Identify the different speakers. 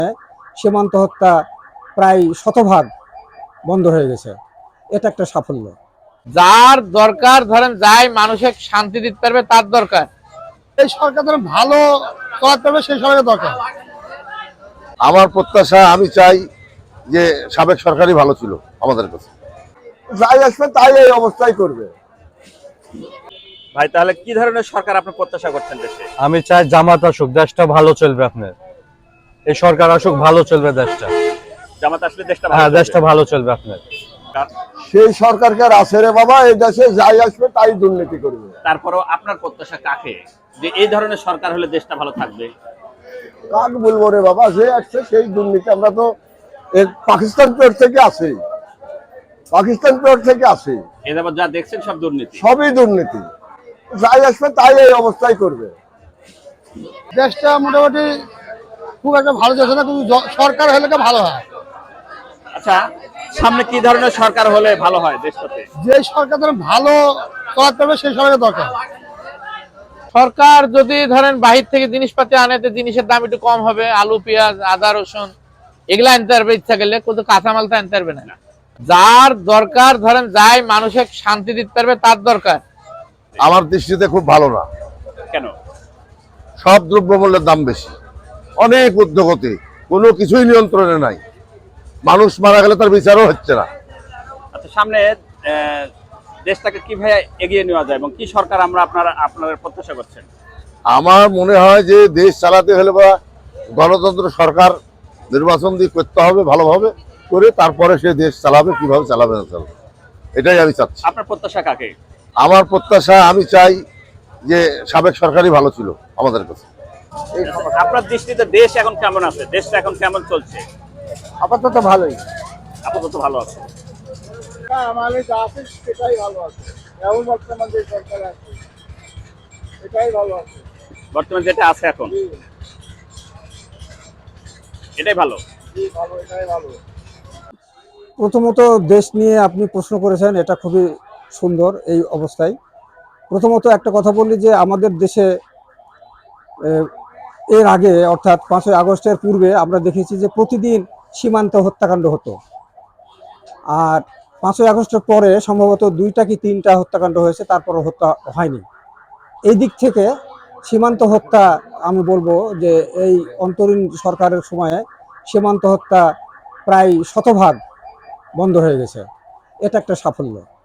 Speaker 1: সীমান্ত হত্যা প্রায় শতভাগ বন্ধ হয়ে গেছে। এটা একটা সাফল্য।
Speaker 2: যার দরকার ধরেন যাই মানুষের শান্তি দিতে পারবে তার দরকার।
Speaker 3: এই সরকার ধরেন ভালো করাতে পারবে সেই সরকারের দরকার।
Speaker 4: আমার প্রত্যাশা, আমি চাই যে সাবেক সরকারই ভালো ছিল আমাদের কাছে। যাই আসবে তাই এই অবস্থায় করবে।
Speaker 5: ভাই তাহলে কি ধরনের সরকার আপনি প্রত্যাশা করছেন দেশে?
Speaker 6: আমি চাই জামাত আসুক, দেশটা ভালো চলবে। আপনার এই সরকার আসুক, ভালো চলবে দেশটা।
Speaker 5: জামাত আসলে দেশটা
Speaker 6: হ্যাঁ,
Speaker 5: ভালো
Speaker 6: দেশটা ভালো চলবে। আপনার
Speaker 4: সেই সরকারকে আর আছে রে বাবা, এই দেশে যাই আসবে তাই দুর্নীতি করবে।
Speaker 5: তারপরও আপনার প্রত্যাশা কাকে, যে এই ধরনের সরকার হলে দেশটা ভালো থাকবে?
Speaker 4: কাক বলবো রে বাবা, যে আসছে সেই দুর্নীতি। আমরা তো পাকিস্তান পেট থেকে আসি, পাকিস্তান পেট থেকে আসি।
Speaker 5: এ যাবৎ যা দেখছেন সব দুর্নীতি,
Speaker 4: সবই দুর্নীতি। যাই আসবে তাই এই অবস্থায় করবে।
Speaker 3: দেশটা মোটামুটি খুব একটা ভালো যাচ্ছে না, কিন্তু সরকার হলে ভালো হয়।
Speaker 5: আচ্ছা সামনে কি ধরনের সরকার হলে ভালো হয় দেশটাতে?
Speaker 3: যে সরকার ধরেন ভালো করাতে পারবে সেই সরকারের দরকার।
Speaker 2: সরকার যদি ধরেন বাহির থেকে জিনিসপাতি আনে তো জিনিসের দাম একটু কম হবে, আলু পেঁয়াজ আদা রসুন এগুলা আনতে পারবে ইচ্ছা করলে, কিন্তু কাঁচামাল তো আনতে পারবে না। যার দরকার ধরেন যাই মানুষের শান্তি দিতে পারবে তার দরকার।
Speaker 4: আমার দৃষ্টিতে খুব ভালো না।
Speaker 5: কেন?
Speaker 4: সব দ্রব্যমূল্যের দাম বেশি, অনেক উদ্যোগতি, কোনো কিছুই নিয়ন্ত্রণে নাই। মানুষ মারা গেলে তার বিচারও হচ্ছে না।
Speaker 5: আচ্ছা সামনে দেশটাকে কিভাবে এগিয়ে নেওয়া যায় এবং কি সরকার আমরা আপনারা প্রত্যাশা করছেন?
Speaker 4: আমার মনে হয় যে দেশ চালাতে হলে বা গণতন্ত্র সরকার নির্বাচন দিয়ে করতে হবে, ভালোভাবে করে তারপরে সে দেশ চালাবে, কিভাবে চালাবে না চালাবে, এটাই আমি চাচ্ছি।
Speaker 5: আপনার প্রত্যাশা কাকে?
Speaker 4: আমার প্রত্যাশা, আমি চাই যে সাবেক সরকারই ভালো ছিল আমাদের কাছে।
Speaker 5: আপনার দৃষ্টিতে দেশ এখন কেমন আছে, দেশটা এখন কেমন চলছে?
Speaker 3: আপাতত ভালোই।
Speaker 5: আপাতত ভালো আছে।
Speaker 3: আমাদের যা আছে সেটাই ভালো আছে। এখন বর্তমান যে সরকার আছে এটাই ভালো আছে।
Speaker 5: বর্তমানে যেটা আছে এখন এটাই ভালো।
Speaker 3: ভালো, এটাই ভালো।
Speaker 1: প্রথমত দেশ নিয়ে আপনি প্রশ্ন করেছেন, এটা খুবই সুন্দর। এই অবস্থায় প্রথমত একটা কথা বলি যে আমাদের দেশে এর আগে অর্থাৎ 5ই আগস্টের পূর্বে আমরা দেখেছি যে প্রতিদিন সীমান্ত হত্যাকাণ্ড হতো, আর 5ই আগস্টের পরে সম্ভবত 2টা কি 3টা হত্যাকাণ্ড হয়েছে, তারপর হত্যা হয়নি। এই দিক থেকে সীমান্ত হত্যা আমি বলবো যে এই অন্তরীণ সরকারের সময়ে সীমান্ত হত্যা প্রায় শতভাগ বন্ধ হয়ে গেছে। এটা একটা সাফল্য।